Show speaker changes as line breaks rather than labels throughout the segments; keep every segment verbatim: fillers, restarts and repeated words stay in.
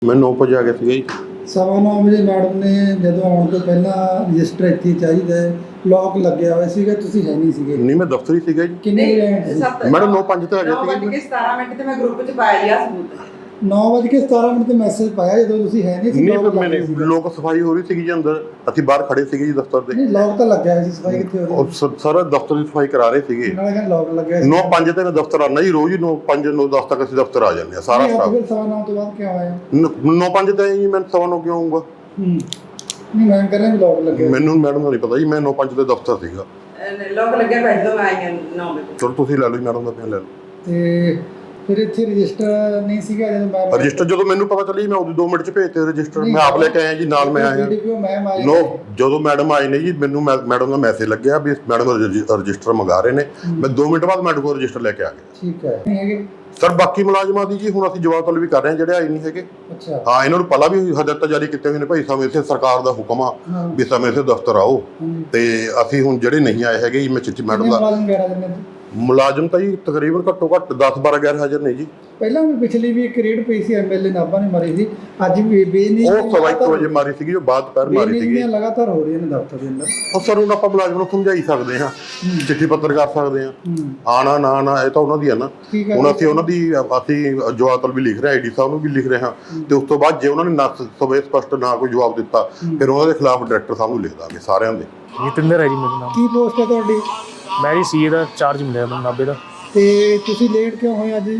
मैं नौ बजे आ गया था जी।
सवा नौ ਵਜੇ ਮੈਡਮ ਨੇ ਜਦੋਂ ਆਉਣ ਤੋਂ ਪਹਿਲਾਂ ਰਜਿਸਟਰ ਇੱਥੇ ਚਾਹੀਦਾ ਲੌਕ ਲੱਗਿਆ ਹੋਇਆ ਸੀਗਾ, ਤੁਸੀਂ ਹੈ ਨਹੀਂ ਸੀਗੇ?
नहीं मैं दफ्तर ही सीगा जी।
ਕਿੰਨੇ ਵਜੇ ਆਏ ਸੀ?
मैडम नौ पाँच तो आ गया
नौ बज के सतारह मिनट ਤੇ ਮੈਂ ਗਰੁੱਪ 'ਚ ਪਾਇਆ ਲਿਆ ਸਬੂਤ।
नौ ਵਜੇ ਕੇ ਸਤਾਰਾਂ ਮਿੰਟ ਤੇ ਮੈਸੇਜ ਪਾਇਆ ਜਦੋਂ ਤੁਸੀਂ ਹੈ ਨਹੀਂ ਸੀ।
नहीं फिर मैंने लोग सफाई हो रही थी जी अंदर, ਅਸੀਂ ਬਾਹਰ ਖੜੇ ਸੀਗੇ ਜੀ ਦਫ਼ਤਰ ਦੇ।
ਨਹੀਂ ਲੌਕ ਤਾਂ ਲੱਗਿਆ ਹੋਇਆ ਸੀ, ਸਫਾਈ ਕਿੱਥੇ ਹੋ ਰਹੀ?
ਉਹ ਸ- ਸਾਰਾ ਦਫ਼ਤਰ ਦੀ ਸਫਾਈ ਕਰਾ ਰਹੇ ਸੀਗੇ।
ਨਾਲੇ ਕਹਿੰਦੇ ਲੌਕ ਲੱਗਿਆ ਸੀ।
ਨੌ ਪੰਜ ਤੇ ਮੈਂ ਦਫ਼ਤਰ ਆਉਣਾ ਜੀ ਰੋਜ਼ ਹੀ, ਨੌ ਪੰਜ ਨੌ ਦਸ ਤੱਕ ਅਸੀਂ ਦਫ਼ਤਰ ਆ ਜਾਂਦੇ ਆ ਸਾਰਾ
ਨਹੀਂ, ਅੱਜ
ਸਟਾਫ।
ਫਿਰ ਸਵਾ ਨੌ ਤੋਂ ਬਾਅਦ ਕਿਉਂ ਆਇਆ?
ਨੌ ਪੰਜ ਤੇ ਜੀ ਮੈਂ ਸਵਾ ਨੌ ਕਿਉਂ ਆਊਂਗਾ?
ਹੂੰ ਨਹੀਂ ਮੈਂ ਕਰ ਰਿਹਾ ਲੌਕ ਲੱਗਿਆ।
ਮੈਨੂੰ ਮੈਡਮ ਦਾ ਨਹੀਂ ਪਤਾ ਜੀ, ਮੈਂ ਨੌ ਪੰਜ ਤੇ ਦਫ਼ਤਰ ਸੀਗਾ।
ਲੋਕ ਲੱਗਿਆ ਬੈਠ ਦੋ ਆਈ ਹਾਂ ਨੌ ਵਜੇ।
ਚਲੋ ਤੁਸੀਂ ਲੈ ਲਓ ਜੀ, ਮੈਡਮ ਦਾ ਪਿਆ ਲੈ ਲਓ।
ਤੇ ਫਿਰ ਇੱਥੇ ਰਜਿਸਟਰ ਨਹੀਂ ਸੀਗਾ ਜਦੋਂ ਮੈਂ
ਰਜਿਸਟਰ ਜਦੋਂ ਮੈਨੂੰ ਪਤਾ ਚੱਲੀ ਮੈਂ ਉਹਦੇ ਦੋ ਮਿੰਟ ਚ ਭੇਜਤੇ ਰਜਿਸਟਰ। ਮੈਂ ਆਪ ਲੈ ਕੇ ਆਇਆ ਜੀ, ਨਾਲ ਮੈਂ ਆਇਆ।
ਮੈਮ ਆਏ
ਨੋ ਜਦੋਂ ਮੈਡਮ ਆਏ ਨੇ ਜੀ, ਮੈਨੂੰ ਮੈਡਮ ਦਾ ਮੈਸੇਜ ਲੱਗਿਆ ਵੀ ਮੈਡਮ ਰਜਿਸਟਰ ਮੰਗਾ ਰਹੇ ਨੇ। ਮੈਂ ਦੋ ਮਿੰਟ ਬਾਅਦ ਮੈਡਮ ਕੋਲ ਰਜਿਸਟਰ ਲੈ ਕੇ ਆ ਗਿਆ।
ਠੀਕ ਹੈ ਨਹੀਂ ਹੈਗੇ
ਸਰ ਬਾਕੀ ਮੁਲਾਜ਼ਮਾਂ ਦੀ ਜੀ ਹੁਣ ਅਸੀਂ ਜਵਾਬ ਤਲਬ ਵੀ ਕਰ ਰਹੇ ਹਾਂ ਜਿਹੜੇ ਆਏ ਨਹੀਂ ਹੈਗੇ।
ਅੱਛਾ
ਹਾਂ ਇਹਨਾਂ ਨੂੰ ਪਹਿਲਾਂ ਵੀ ਹਦਾਇਤਾਂ ਜਾਰੀ ਕੀਤੀਆਂ ਹੋਈਆਂ ਨੇ ਭਾਈ ਸਮੇਂ ਸਿਰ ਸਰਕਾਰ ਦਾ ਹੁਕਮ ਆ ਵੀ ਸਮੇਂ ਸਿਰ ਦਫ਼ਤਰ ਆਓ। ਤੇ ਅਸੀਂ ਹੁਣ ਜਿਹੜੇ ਨਹੀਂ ਆਏ ਹੈਗੇ ਜੀ, ਮੈਂ ਚਿੱਠੀ ਮੈਡਮ ਦਾ
ਮੁਲਾਜ਼ਮ ਗੈਰ ਹਾਜ਼ਰ ਨੇ?
ਮੁਲਾਜ਼ਮ ਤਾਂ ਜੀ ਤਕਰੀਬਨ ਘੱਟੋ ਘੱਟ ਦਸ ਬਾਰਾਂ ਗੈਰ ਹਾਜ਼ਰ ਨੇ ਜੀ।
ਪਹਿਲਾਂ ਵੀ ਪਿਛਲੀ ਵੀ ਇੱਕ ਰੇਡ ਪਈ ਸੀ, ਐਮਐਲਏ ਨਾਭਾ ਨੇ ਮਾਰੀ ਸੀ। ਅੱਜ ਵੀ ਬੇਨੀ
ਉਹ ਸਵਾ ਇੱਕ ਵਜੇ ਮਾਰੀ ਸੀਗੀ, ਉਹ ਬਾਅਦ ਦੁਪਹਿਰ ਮਾਰੀ ਸੀਗੀ।
ਲਗਾਤਾਰ ਹੋ ਰਹੀਆਂ ਨੇ ਦਫ਼ਤਰ ਦੇ ਅੰਦਰ।
ਉਹ ਸਰ ਹੁਣ ਆਪਾਂ ਮੁਲਾਜ਼ਮ ਨੂੰ ਸਮਝਾਈ ਸਕਦੇ ਹਾਂ, ਚਿੱਠੀ ਪੱਤਰ ਕਰ ਸਕਦੇ ਹਾਂ। ਆਣਾ ਨਾ ਆਣਾ ਇਹ ਤਾਂ ਉਹਨਾਂ ਦੀ ਆ ਨਾ। ਹੁਣ ਅਸੀਂ ਉਹਨਾਂ ਦੀ ਅਸੀਂ ਜਵਾਬ ਤਲਬ ਵੀ ਲਿਖ ਰਹੇ, ਆਈਡੀ ਸਾਹਿਬ ਨੂੰ ਵੀ ਲਿਖ ਰਹੇ ਹਾਂ। ਤੇ ਉਸ ਤੋਂ ਬਾਅਦ ਜੇ ਉਹਨਾਂ ਨੇ ਨਾ ਸਵੇ ਸਪਸ਼ਟ ਨਾ ਕੋਈ ਜਵਾਬ ਦਿੱਤਾ, ਫਿਰ ਉਹਨਾਂ ਦੇ ਖਿਲਾਫ ਡਾਇਰੈਕਟਰ ਸਾਹਿਬ ਨੂੰ ਲਿਖ ਦਾਂਗੇ ਸਾਰਿਆਂ ਦੇ।
ਜਤਿੰਦਰ ਹੈ ਜੀ ਮੇਰਾ ਨਾਮ।
ਕੀ ਪੋਸਟ ਹੈ ਤੁਹਾਡੀ?
ਮੈਂ ਜੀ ਸੀਏ ਦਾ ਚਾਰਜ ਮਿਲਿਆ ਮੈਨੂੰ ਨਾਭੇ ਦਾ।
ਤੇ ਤੁਸੀਂ ਲੇਟ ਕਿਉਂ ਹੋਏ ਅੱਜ?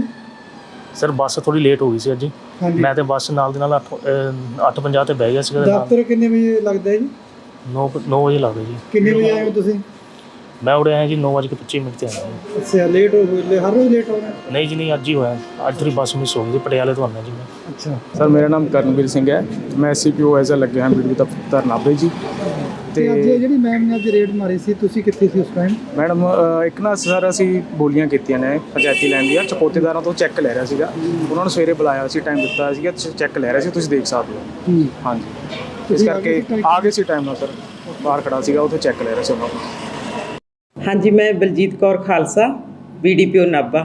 ਸਰ ਬੱਸ ਥੋੜੀ ਲੇਟ ਹੋ ਗਈ ਸੀ ਅੱਜ। ਮੈਂ ਤੇ ਬੱਸ ਨਾਲ ਦੇ ਨਾਲ ਅੱਠ ਅੱਠ ਪੰਜਾਹ ਤੇ ਬਹਿ ਗਿਆ ਸੀਗਾ।
ਦਫ਼ਤਰ ਕਿੰਨੇ ਵਜੇ ਲੱਗਦਾ ਜੀ?
ਨੌ ਨੌ ਵਜੇ ਲੱਗਦਾ ਜੀ।
ਕਿੰਨੇ ਵਜੇ ਆਏ ਹੋ ਤੁਸੀਂ?
ਮੈਂ ਉਰੇ ਆਇਆ ਜੀ ਨੌ ਵਜੇ ਕੇ ਪੱਚੀ ਮਿੰਟ ਤੇ ਆਇਆ ਜੀ।
ਅੱਛਾ ਲੇਟ ਹੋ ਗਏ, ਹਰ ਰੋਜ਼ ਲੇਟ ਹੋ ਰਹੇ?
ਨਹੀਂ ਜੀ ਨਹੀਂ, ਅੱਜ ਹੀ ਹੋਇਆ। ਅੱਜ ਥੋੜੀ ਬੱਸ ਮਿਸ ਹੋ ਗਈ ਸੀ, ਪਟਿਆਲੇ ਤੋਂ ਆਉਣਾ ਜੀ ਮੈਂ।
ਅੱਛਾ
ਸਰ ਮੇਰਾ ਨਾਮ ਕਰਨਵੀਰ ਸਿੰਘ ਹੈ, ਮੈਂ ਸੀ ਪੀ ਓ ਐਜ਼ ਅ ਲੱਗੇ ਹਾਂ ਬੀਡੀ ਦਫ਼ਤਰ ਨਾਭੇ ਜੀ।
ਤੇ ਅੱਜ ਜਿਹੜੀ ਮੈਮ ਨੇ ਅੱਜ ਰੇਡ ਮਾਰੀ ਸੀ, ਤੁਸੀਂ ਕਿੱਥੇ ਸੀ ਉਸ ਟਾਈਮ?
ਮੈਡਮ ਇੱਕ ਨਾ ਸਰ ਅਸੀਂ ਬੋਲੀਆਂ ਕੀਤੀਆਂ ਨੇ ਪੰਚਾਇਤੀ ਲੈਣ ਦੀਆਂ, ਚਪੋਤੇਦਾਰਾਂ ਤੋਂ ਚੈੱਕ ਲੈ ਰਿਹਾ ਸੀਗਾ। ਉਹਨਾਂ ਨੂੰ ਸਵੇਰੇ ਬੁਲਾਇਆ ਸੀ, ਟਾਈਮ ਦਿੱਤਾ ਸੀਗਾ, ਚੈੱਕ ਲੈ ਰਿਹਾ ਸੀ, ਤੁਸੀਂ ਦੇਖ ਸਕਦੇ ਹੋ। ਹਾਂਜੀ ਇਸ ਕਰਕੇ ਆ ਗਏ ਸੀ ਟਾਈਮ ਨਾਲ ਸਰ, ਬਾਹਰ ਖੜਾ ਸੀਗਾ ਉੱਥੇ ਚੈੱਕ ਲੈ ਰਿਹਾ ਸੀ ਉਹਨਾਂ ਨੂੰ।
ਹਾਂਜੀ ਮੈਂ ਬਲਜੀਤ ਕੌਰ ਖਾਲਸਾ, ਬੀਡੀਪੀਓ ਨਾਭਾ।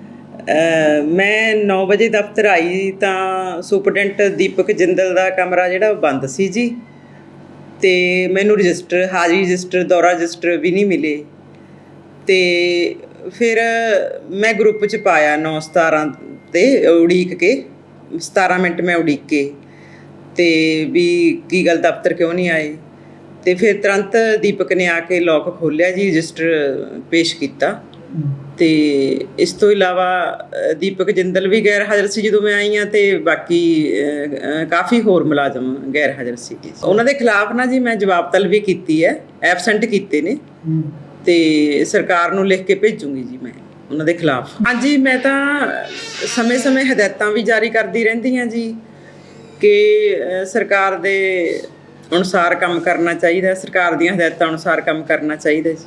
ਮੈਂ ਨੌ ਵਜੇ ਦਫ਼ਤਰ ਆਈ ਤਾਂ ਸੁਪਰਡੈਂਟ ਦੀਪਕ ਜਿੰਦਲ ਦਾ ਕਮਰਾ ਜਿਹੜਾ ਬੰਦ ਸੀ ਜੀ। ਤੇ ਮੈਨੂੰ ਰਜਿਸਟਰ, ਹਾਜ਼ਰੀ ਰਜਿਸਟਰ, ਦੌਰਾ ਰਜਿਸਟਰ ਵੀ ਨਹੀਂ ਮਿਲੇ। ਤੇ ਫਿਰ ਮੈਂ ਗਰੁੱਪ 'ਚ ਪਾਇਆ ਨੌ ਸਤਾਰਾਂ ਤੇ ਉਡੀਕ ਕੇ, ਸਤਾਰਾਂ ਮਿੰਟ ਮੈਂ ਉਡੀਕ ਕੇ ਤੇ ਵੀ ਕੀ ਗੱਲ ਦਫ਼ਤਰ ਕਿਉਂ ਨਹੀਂ ਆਏ। ਤੇ ਫਿਰ ਤੁਰੰਤ ਦੀਪਕ ਨੇ ਆ ਕੇ ਲੋਕ ਖੋਲ੍ਹਿਆ ਜੀ, ਰਜਿਸਟਰ ਪੇਸ਼ ਕੀਤਾ। ਤੇ ਇਸ ਤੋਂ ਇਲਾਵਾ ਦੀਪਕ ਜਿੰਦਲ ਵੀ ਗੈਰ ਹਾਜ਼ਰ ਸੀ ਜਦੋਂ ਮੈਂ ਆਈ ਹਾਂ, ਤੇ ਬਾਕੀ ਕਾਫੀ ਹੋਰ ਮੁਲਾਜ਼ਮ ਗੈਰ ਹਾਜ਼ਰ ਸੀਗੇ। ਉਹਨਾਂ ਦੇ ਖਿਲਾਫ ਨਾ ਜੀ ਮੈਂ ਜਵਾਬ ਤਲਬੀ ਕੀਤੀ ਹੈ, ਐਬਸੈਂਟ ਕੀਤੇ ਨੇ, ਤੇ ਸਰਕਾਰ ਨੂੰ ਲਿਖ ਕੇ ਭੇਜੂੰਗੀ ਜੀ ਮੈਂ ਉਹਨਾਂ ਦੇ ਖਿਲਾਫ। ਹਾਂਜੀ ਮੈਂ ਤਾਂ ਸਮੇਂ-ਸਮੇਂ ਹਦਾਇਤਾਂ ਵੀ ਜਾਰੀ ਕਰਦੀ ਰਹਿੰਦੀ ਹਾਂ ਜੀ ਕਿ ਸਰਕਾਰ ਦੇ ਅਨੁਸਾਰ ਕੰਮ ਕਰਨਾ ਚਾਹੀਦਾ, ਸਰਕਾਰ ਦੀਆਂ ਹਦਾਇਤਾਂ ਅਨੁਸਾਰ ਕੰਮ ਕਰਨਾ ਚਾਹੀਦਾ ਜੀ।